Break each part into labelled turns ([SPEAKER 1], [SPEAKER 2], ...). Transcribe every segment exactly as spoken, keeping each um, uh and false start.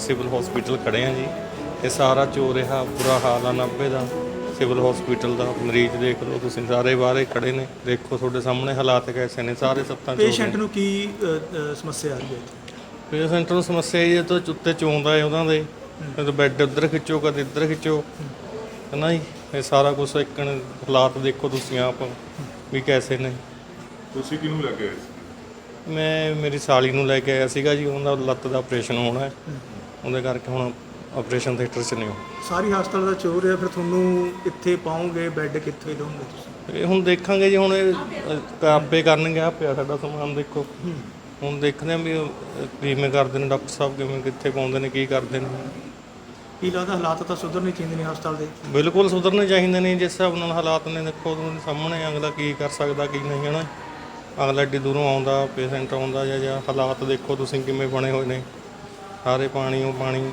[SPEAKER 1] Civil hospital ਖੜ੍ਹੇ ਹਾਂ ਜੀ। ਇਹ ਸਾਰਾ ਚੋ ਰਿਹਾ, ਬੁਰਾ ਹਾਲ ਆ ਨਾਭੇ ਦਾ ਸਿਵਲ ਹਸਪੀਟਲ ਦਾ। ਮਰੀਜ਼ ਦੇਖ ਲਓ ਤੁਸੀਂ, ਸਾਰੇ ਬਾਹਰੇ ਖੜ੍ਹੇ ਨੇ, ਦੇਖੋ ਤੁਹਾਡੇ ਸਾਹਮਣੇ ਹਾਲਾਤ ਕੈਸੇ ਨੇ, ਸਾਰੇ ਸੱਤਾਂ ਚੋ
[SPEAKER 2] ਪੇਸ਼ੈਂਟ ਨੂੰ ਕੀ ਅ, ਅ, ਸਮੱਸਿਆ ਆ ਰਹੀ ਹੈ ਇੱਥੇ?
[SPEAKER 1] ਪੇਸ਼ੈਂਟ ਨੂੰ ਸਮੱਸਿਆ ਇਹ ਤੋਂ ਉੱਤੇ ਚੋਂਦਾ ਹੈ ਉਹਨਾਂ ਦੇ, ਕਦੇ ਬੈੱਡ ਉੱਧਰ ਖਿੱਚੋ, ਕਦੇ ਇੱਧਰ ਖਿੱਚੋ, ਹੈ ਨਾ ਜੀ। ਇਹ ਸਾਰਾ ਕੁਛ ਇੱਕ ਹਾਲਾਤ ਦੇਖੋ ਤੁਸੀਂ ਆਪ ਵੀ ਕੈਸੇ ਨੇ।
[SPEAKER 3] ਤੁਸੀਂ ਕਿਹਨੂੰ ਲੈ ਕੇ ਆਏ ਸੀ?
[SPEAKER 1] ਮੈਂ ਮੇਰੀ ਸਾਲੀ ਨੂੰ ਲੈ ਕੇ ਆਇਆ ਸੀਗਾ ਜੀ, ਉਹਨਾਂ ਦਾ ਲੱਤ ਦਾ ਆਪਰੇਸ਼ਨ ਹੋਣਾ ਹੈ, ਉਹਦੇ ਕਰਕੇ ਹੁਣ ਆਪਰੇਸ਼ਨ ਥੀਏਟਰ 'ਚ ਨੇ ਉਹ।
[SPEAKER 2] ਸਾਰੀ ਹਸਪਤਾਲ ਦਾ ਚੋਰ ਹੈ, ਫਿਰ ਤੁਹਾਨੂੰ ਕਿੱਥੇ ਪਾਉਂਗੇ, ਬੈੱਡ ਕਿੱਥੇ ਲਓਗੇ ਤੁਸੀਂ?
[SPEAKER 1] ਇਹ ਹੁਣ ਦੇਖਾਂਗੇ ਜੀ, ਹੁਣ ਇਹ ਆਪੇ ਕਰਨਗੇ। ਆ ਪਿਆ ਸਾਡਾ ਸਮਾਨ ਦੇਖੋ, ਹੁਣ ਦੇਖਦੇ ਹਾਂ ਵੀ ਉਹ ਕਿਵੇਂ ਕਰਦੇ ਨੇ ਡਾਕਟਰ ਸਾਹਿਬ, ਕਿਵੇਂ ਕਿੱਥੇ ਪਾਉਂਦੇ ਨੇ, ਕੀ ਕਰਦੇ ਨੇ।
[SPEAKER 2] ਕੀ ਲੱਗਦਾ ਹਾਲਾਤ ਤਾਂ ਸੁਧਰਨੇ ਚਾਹੀਦੇ ਨੇ ਹਸਪਤਾਲ ਦੇ?
[SPEAKER 1] ਬਿਲਕੁਲ ਸੁਧਰਨੇ ਚਾਹੀਦੇ ਨੇ, ਜਿਸ ਹਿਸਾਬ ਨਾਲ ਹਾਲਾਤ ਨੇ ਦੇਖੋ ਤੁਹਾਡੇ ਸਾਹਮਣੇ, ਅਗਲਾ ਕੀ ਕਰ ਸਕਦਾ ਕੀ ਨਹੀਂ, ਹੈ ਨਾ। ਅਗਲਾ ਐਡੀ ਦੂਰੋਂ ਆਉਂਦਾ, ਪੇਸ਼ੈਂਟ ਆਉਂਦਾ, ਜਾਂ ਜਾਂ ਹਾਲਾਤ ਦੇਖੋ ਤੁਸੀਂ ਕਿਵੇਂ ਬਣੇ ਹੋਏ ਨੇ, ਸਾਰੇ ਪਾਣੀ ਉਹ ਪਾਣੀ,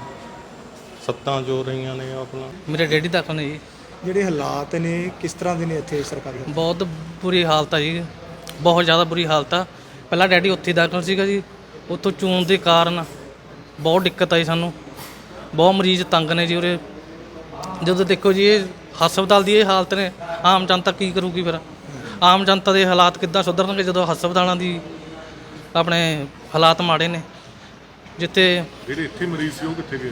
[SPEAKER 1] ਸੱਤਾਂ ਜੋ ਰਹੀਆਂ ਨੇ ਆਪਣਾ।
[SPEAKER 4] ਮੇਰੇ ਡੈਡੀ ਦਾਖਲ ਨੇ ਜੀ।
[SPEAKER 2] ਜਿਹੜੇ ਹਾਲਾਤ ਨੇ ਕਿਸ ਤਰ੍ਹਾਂ ਦੇ ਨੇ ਇੱਥੇ ਸਰਕਾਰੀ?
[SPEAKER 4] ਬਹੁਤ ਬੁਰੀ ਹਾਲਤ ਆ ਜੀ, ਬਹੁਤ ਜ਼ਿਆਦਾ ਬੁਰੀ ਹਾਲਤ ਆ। ਪਹਿਲਾਂ ਡੈਡੀ ਉੱਥੇ ਦਾਖਲ ਸੀਗਾ ਜੀ, ਉੱਥੋਂ ਚੂਨ ਦੇ ਕਾਰਨ ਬਹੁਤ ਦਿੱਕਤ ਆਈ ਸਾਨੂੰ, ਬਹੁਤ ਮਰੀਜ਼ ਤੰਗ ਨੇ ਜੀ ਉਰੇ। ਜਦੋਂ ਦੇਖੋ ਜੀ ਇਹ ਹਸਪਤਾਲ ਦੀ ਇਹ ਹਾਲਤ ਨੇ, ਆਮ ਜਨਤਾ ਕੀ ਕਰੂਗੀ ਫਿਰ? ਆਮ ਜਨਤਾ ਦੇ ਹਾਲਾਤ ਕਿੱਦਾਂ ਸੁਧਰਨਗੇ ਜਦੋਂ ਹਸਪਤਾਲਾਂ ਦੀ ਆਪਣੇ ਹਾਲਾਤ ਮਾੜੇ ਨੇ? ਜਿੱਥੇ
[SPEAKER 3] ਜਿਹੜੇ ਇੱਥੇ ਮਰੀਜ਼ ਸੀ ਉਹ ਕਿੱਥੇ ਗਏ?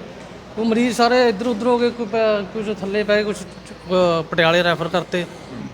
[SPEAKER 4] ਉਹ ਮਰੀਜ਼ ਸਾਰੇ ਇੱਧਰ ਉੱਧਰ ਹੋ ਗਏ, ਕੋਈ ਪੈ- ਕੁਝ ਥੱਲੇ ਪਏ, ਕੁਝ ਪਟਿਆਲੇ ਰੈਫਰ ਕਰਤੇ,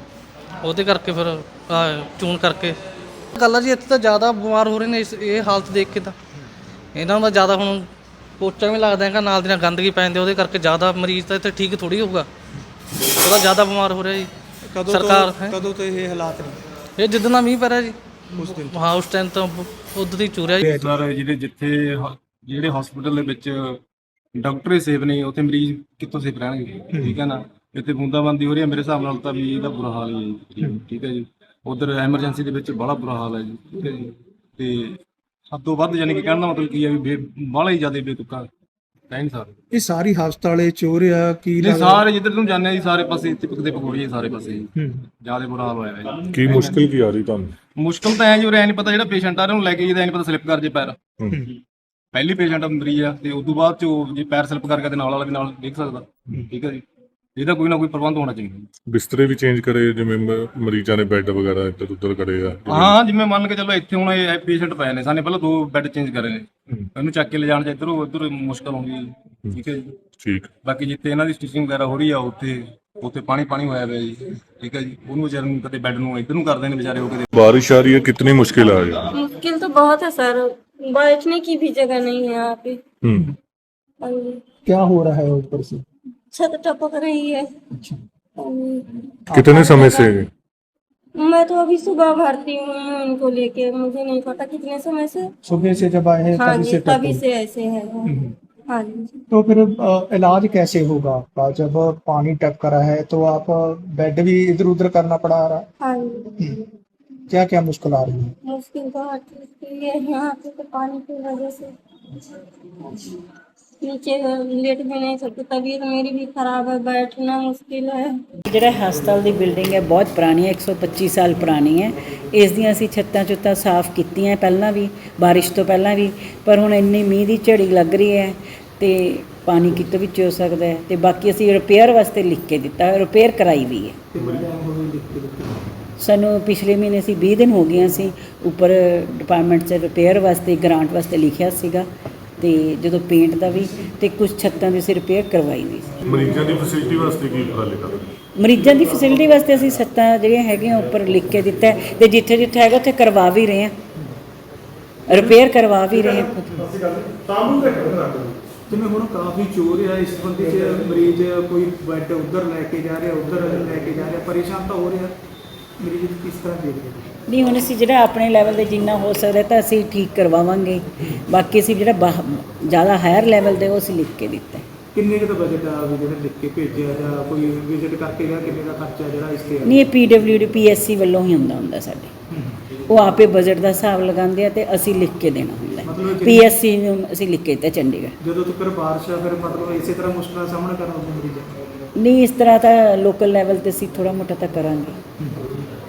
[SPEAKER 4] ਉਹਦੇ ਕਰਕੇ ਫਿਰ ਆਹ ਚੂਨ ਕਰਕੇ ਗੱਲ ਆ ਜੀ। ਇੱਥੇ ਤਾਂ ਜ਼ਿਆਦਾ ਬਿਮਾਰ ਹੋ ਰਹੇ ਨੇ ਇਸ ਇਹ ਹਾਲਤ ਦੇਖ ਕੇ, ਤਾਂ ਇਹਨਾਂ ਦਾ ਜ਼ਿਆਦਾ ਹੁਣ ਪੋਚਾ ਵੀ ਲੱਗਦਾ ਹੈਗਾ, ਨਾਲ ਦੀ ਨਾਲ ਗੰਦਗੀ ਪੈ ਜਾਂਦੀ, ਉਹਦੇ ਕਰਕੇ ਜ਼ਿਆਦਾ ਮਰੀਜ਼ ਤਾਂ ਇੱਥੇ ਠੀਕ ਥੋੜ੍ਹੀ ਹੋਊਗਾ, ਉਹਦਾ ਜ਼ਿਆਦਾ ਬਿਮਾਰ ਹੋ ਰਿਹਾ ਜੀ।
[SPEAKER 2] ਕਦੋਂ
[SPEAKER 4] ਸਰਕਾਰ
[SPEAKER 2] ਤੋਂ ਕਦੋਂ ਤੋਂ ਇਹ ਹਾਲਾਤ ਨੇ?
[SPEAKER 4] ਇਹ ਜਿੱਦਾਂ ਦਾ ਮੀਂਹ ਪੈ ਰਿਹਾ ਜੀ,
[SPEAKER 2] ਉਸ ਦਿਨ
[SPEAKER 4] ਹਾਂ ਉਸ ਟਾਈਮ ਤਾਂ ਉਦੋਂ ਦੀ ਚੂਰਿਆ ਜੀ।
[SPEAKER 5] ਸਰ ਜਿਹੜੇ ਜਿੱਥੇ ਹ- ਜਿਹੜੇ ਹਸਪੀਟਲ ਦੇ ਵਿੱਚ ਡਾਕਟਰ ਹੀ ਸੇਫ ਨਹੀਂ, ਉੱਥੇ ਮਰੀਜ਼ ਕਿੱਥੋਂ ਸੇਫ ਰਹਿਣਗੇ? ਠੀਕ ਹੈ ਨਾ। ਇੱਥੇ ਬੂੰਦਾਬਾਂਦੀ ਹੋ ਰਹੀ ਹੈ, ਮੇਰੇ ਹਿਸਾਬ ਨਾਲ ਤਾਂ ਵੀ ਇਹਦਾ ਬੁਰਾ ਹਾਲ ਹੀ ਹੈ ਜੀ। ਠੀਕ ਹੈ ਜੀ। ਉਧਰ ਐਮਰਜੈਂਸੀ ਦੇ ਵਿੱਚ ਬੜਾ ਬੁਰਾ ਹਾਲ ਹੈ ਜੀ। ਠੀਕ ਹੈ ਜੀ। ਤੇ ਸਭ ਤੋਂ ਵੱਧ ਯਾਨੀ ਕਿ ਕਹਿਣ ਦਾ ਮਤਲਬ ਕੀ ਹੈ ਵੀ ਬਾਹਲਾ ਹੀ ਜ਼ਿਆਦਾ ਬੇਤੁਕਾ ਕਹਿ ਨਹੀਂ ਸਕਦੇ।
[SPEAKER 2] ਇਹ ਸਾਰੀ ਹਸਪਤਾਲੇ ਚੋਰ ਆ ਕੀ?
[SPEAKER 5] ਨਹੀਂ ਸਾਰੇ ਜਿੱਧਰ ਨੂੰ ਜਾਂਦੇ ਆ ਜੀ, ਸਾਰੇ ਪਾਸੇ ਚਿਪਕ ਦੇ ਪਕੌੜੀ ਹੈ, ਸਾਰੇ ਪਾਸੇ ਜ਼ਿਆਦਾ ਬੁਰਾ ਹਾਲ ਹੋਇਆ ਹੈ ਜੀ।
[SPEAKER 3] ਕੀ ਮੁਸ਼ਕਿਲ ਕੀ ਆ ਰਹੀ ਤੁਹਾਨੂੰ?
[SPEAKER 5] ਮੁਸ਼ਕਲ ਤਾਂ ਐ ਜੀ, ਉਰੇ ਐ ਨਹੀਂ ਪਤਾ ਜਿਹੜਾ ਪੇਸ਼ੈਂਟ ਆ ਰਿਹਾ ਉਹਨੂੰ ਲੈ ਕੇ ਜਿਹਦਾ ਨਹੀਂ ਪਤਾ ਸਲਿੱਪ ਕਰ ਜੇ ਪੈਰ। ਪਹਿਲੀ ਪੇਸ਼ੈਂਟ ਮਰੀਜ਼ ਆ ਤੇ ਉਦੋਂ ਬਾਅਦ ਚ ਜੇ ਪੈਰ ਸਲਿੱਪ ਕਰ ਗਿਆ ਤੇ ਨਾਲ ਵਾਲਾ ਵੀ ਨਾਲ ਦੇਖ ਸਕਦਾ। ਠੀਕ ਹੈ ਜੀ। ਇਹਦਾ ਕੋਈ ਨਾ ਕੋਈ ਪ੍ਰਬੰਧ ਹੋਣਾ ਚਾਹੀਦਾ।
[SPEAKER 3] ਬਿਸਤਰੇ ਵੀ ਚੇਂਜ ਕਰੇ, ਜਿਵੇਂ ਮ- ਮਰੀਜ਼ਾਂ ਨੇ ਬੈੱਡ ਵਗੈਰਾ ਇੱਧਰ ਉੱਧਰ ਕਰੇ ਆ?
[SPEAKER 5] ਹਾਂ ਜਿਵੇਂ ਮੰਨ ਕੇ ਚੱਲੋ ਇੱਥੇ ਹੁਣ ਇਹ ਪੇਸ਼ੈਂਟ ਪਏ ਨੇ, ਸਾਨੇ ਪਹਿਲਾਂ ਦੋ ਬੈੱਡ ਚੇਂਜ ਕਰੇ ਨੇ, ਇਹਨੂੰ ਚੱਕ ਕੇ ਲਿਜਾਣ ਚ ਇੱਧਰੋਂ ਉੱਧਰ ਮੁਸ਼ਕਲ ਆਉਂਦੀ ਹੈ। ਠੀਕ ਹੈ ਜੀ।
[SPEAKER 3] ਠੀਕ।
[SPEAKER 5] ਬਾਕੀ ਜਿੱਥੇ ਇਹਨਾਂ ਦੀ ਸਟਿਚਿੰਗ ਵਗੈਰਾ ਹੋ ਰਹੀ ਆ ਉੱਥੇ ਉੱਥੇ ਪਾਣੀ ਪਾਣੀ ਹੋਇਆ ਪਿਆ ਜੀ। ਠੀਕ ਹੈ ਜੀ। ਉਹਨੂੰ ਵਿਚਾਰੇ ਨੂੰ ਕਦੇ ਬੈੱਡ ਨੂੰ ਇੱਧਰ ਨੂੰ ਕਰਦੇ ਨੇ ਵਿਚਾਰੇ, ਉਹ ਕਦੇ।
[SPEAKER 3] बारिश आ रही है, कितनी मुश्किल आ रही है?
[SPEAKER 6] मुश्किल तो बहुत है सर, बैठने की भी जगह नहीं है यहाँ पे।
[SPEAKER 3] हम्म।
[SPEAKER 6] हाँ जी।
[SPEAKER 2] क्या हो रहा है ऊपर से?
[SPEAKER 6] छत टपक रही है।
[SPEAKER 2] अच्छा।
[SPEAKER 6] हाँ जी।
[SPEAKER 3] कितने समय से?
[SPEAKER 6] मैं तो अभी सुबह भरती हूँ उनको लेके, मुझे नहीं पता कितने समय से।
[SPEAKER 2] सुबह से जब आए हैं
[SPEAKER 6] हाँ
[SPEAKER 2] तभी
[SPEAKER 6] जी,
[SPEAKER 2] से
[SPEAKER 6] तभी
[SPEAKER 2] टपक-
[SPEAKER 6] से ऐसे है। हाँ जी।
[SPEAKER 2] तो फिर अ, इलाज कैसे होगा आपका? जब पानी टपक रहा है तो आप बेड भी इधर उधर करना पड़ा रहा?
[SPEAKER 6] हाँ जी।
[SPEAKER 2] क्या क्या मुश्किल आ रही है?
[SPEAKER 6] मुश्किल तो हर चीज की है यहाँ पे, तो पानी की वजह से नीचे लेट भी नहीं सकते, तबीयत मेरी भी खराब है, बैठना मुश्किल है।
[SPEAKER 7] ਜਿਹੜਾ ਹਸਪਤਾਲ ਦੀ ਬਿਲਡਿੰਗ ਹੈ ਬਹੁਤ ਪੁਰਾਣੀ ਹੈ, ਇੱਕ ਸੌ ਪੱਚੀ ਸਾਲ ਪੁਰਾਣੀ ਹੈ। ਇਸ ਦੀਆਂ ਅਸੀਂ ਛੱਤਾਂ ਚੁੱਤਾਂ ਸਾਫ਼ ਕੀਤੀਆਂ ਪਹਿਲਾਂ ਵੀ, ਬਾਰਿਸ਼ ਤੋਂ ਪਹਿਲਾਂ ਵੀ, ਪਰ ਹੁਣ ਇੰਨੀ ਮੀਂਹ ਦੀ ਝੜੀ ਲੱਗ ਰਹੀ ਹੈ ਤੇ ਪਾਣੀ ਕਿਤੋਂ ਵਿੱਚ ਹੋ ਸਕਦਾ ਹੈ। ਤੇ ਬਾਕੀ ਅਸੀਂ ਰਿਪੇਅਰ ਵਾਸਤੇ ਲਿਖ ਕੇ ਦਿੱਤਾ, ਰਿਪੇਅਰ ਕਰਾਈ ਵੀ ਹੈ। ਸਾਨੂੰ ਪਿਛਲੇ ਮਹੀਨੇ ਅਸੀਂ ਵੀਹ ਦਿਨ ਹੋ ਗਏ ਅਸੀਂ ਉੱਪਰ ਡਿਪਾਰਟਮੈਂਟ 'ਚ ਰਿਪੇਅਰ ਵਾਸਤੇ ਗ੍ਰਾਂਟ ਵਾਸਤੇ ਲਿਖਿਆ ਸੀਗਾ, ਤੇ ਜਦੋਂ ਪੇਂਟ ਦਾ ਵੀ ਤੇ ਕੁਝ ਛੱਤਾਂ ਦੀ ਅਸੀਂ ਰਿਪੇਅਰ ਕਰਵਾਈ ਵੀ ਸੀ।
[SPEAKER 3] ਮਰੀਜ਼ਾਂ ਦੀ ਫੈਸਿਲਿਟੀ ਵਾਸਤੇ ਕੀ ਉਪਰਾਲੇ ਕਰ ਰਹੇ?
[SPEAKER 7] ਮਰੀਜ਼ਾਂ ਦੀ ਫੈਸਿਲਿਟੀ ਵਾਸਤੇ ਅਸੀਂ ਛੱਤਾਂ ਜਿਹੜੀਆਂ ਹੈਗੀਆਂ ਉੱਪਰ ਲਿਖ ਕੇ ਦਿੱਤਾ ਹੈ, ਤੇ ਜਿੱਥੇ ਜਿੱਥੇ ਹੈਗਾ ਉੱਥੇ ਕਰਵਾ ਵੀ ਰਹੇ ਹਾਂ, ਰਿਪੇਅਰ ਕਰਵਾ ਵੀ ਰਹੇ ਹਾਂ।
[SPEAKER 2] ਜਿਵੇਂ ਹੁਣ ਕਾਫੀ ਚੋਰ ਆ, ਇਸ ਸੰਬੰਧੀ ਚ ਮਰੀਜ਼ ਕੋਈ ਬੈੱਡ ਉਧਰ ਲੈ ਕੇ ਜਾ ਰਿਹਾ, ਉਧਰ ਲੈ ਕੇ ਜਾ ਰਿਹਾ, ਪਰੇਸ਼ਾਨ ਤਾਂ ਹੋ ਰਿਹਾ ਮਰੀਜ਼। ਕਿਸ ਤਰ੍ਹਾਂ ਦੇਖਦੇ ਹੋ?
[SPEAKER 7] ਨਹੀਂ ਹੁਣ ਅਸੀਂ ਜਿਹੜਾ ਆਪਣੇ ਲੈਵਲ 'ਤੇ ਜਿੰਨਾ ਹੋ ਸਕਦਾ ਤਾਂ ਅਸੀਂ ਠੀਕ ਕਰਵਾਵਾਂਗੇ, ਬਾਕੀ ਅਸੀਂ ਜਿਹੜਾ ਬਾਹ ਜ਼ਿਆਦਾ ਹਾਇਰ ਲੈਵਲ 'ਤੇ ਉਹ ਅਸੀਂ ਲਿਖ ਕੇ ਦਿੱਤਾ।
[SPEAKER 2] ਕਿੰਨੇ ਕੁ ਦਾ ਬਜਟ ਆ ਵੀ ਜਿਹੜਾ ਲਿਖ ਕੇ ਭੇਜਿਆ, ਜਾਂ ਕੋਈ ਵਿਜ਼ਿਟ ਕਰਕੇ ਗਿਆ, ਕਿੰਨੇ ਦਾ ਖਰਚਾ ਜਿਹੜਾ ਇਸ ਤੇ?
[SPEAKER 7] ਨਹੀਂ ਇਹ P W D P S C ਵੱਲੋਂ ਹੀ ਹੁੰਦਾ ਹੁੰਦਾ ਸਾਡੇ, ਉਹ ਆਪੇ ਬਜਟ ਦਾ ਹਿਸਾਬ ਲਗਾਉਂਦੇ ਆ ਤੇ ਅਸੀਂ ਲਿਖ ਕੇ ਦੇਣਾ ਹੁੰਦਾ। ਪੀ ਐਸ ਸੀ ਨੂੰ ਅਸੀਂ ਲਿਖ ਕੇ ਦਿੱਤਾ ਚੰਡੀਗੜ੍ਹ।
[SPEAKER 2] ਜਦੋਂ ਤੱਕ ਬਾਰਿਸ਼ ਆ ਫਿਰ ਮਤਲਬ ਇਸੇ ਤਰ੍ਹਾਂ ਮੁਸ਼ਕਲਾਂ ਦਾ ਸਾਹਮਣਾ ਕਰਨਾ ਪਊ ਮਰੀਜ਼ਾਂ ਨੂੰ?
[SPEAKER 7] ਨਹੀਂ ਇਸ ਤਰ੍ਹਾਂ ਤਾਂ ਲੋਕਲ ਲੈਵਲ 'ਤੇ ਅਸੀਂ ਥੋੜ੍ਹਾ ਮੋਟਾ ਤਾਂ ਕਰਾਂਗੇ।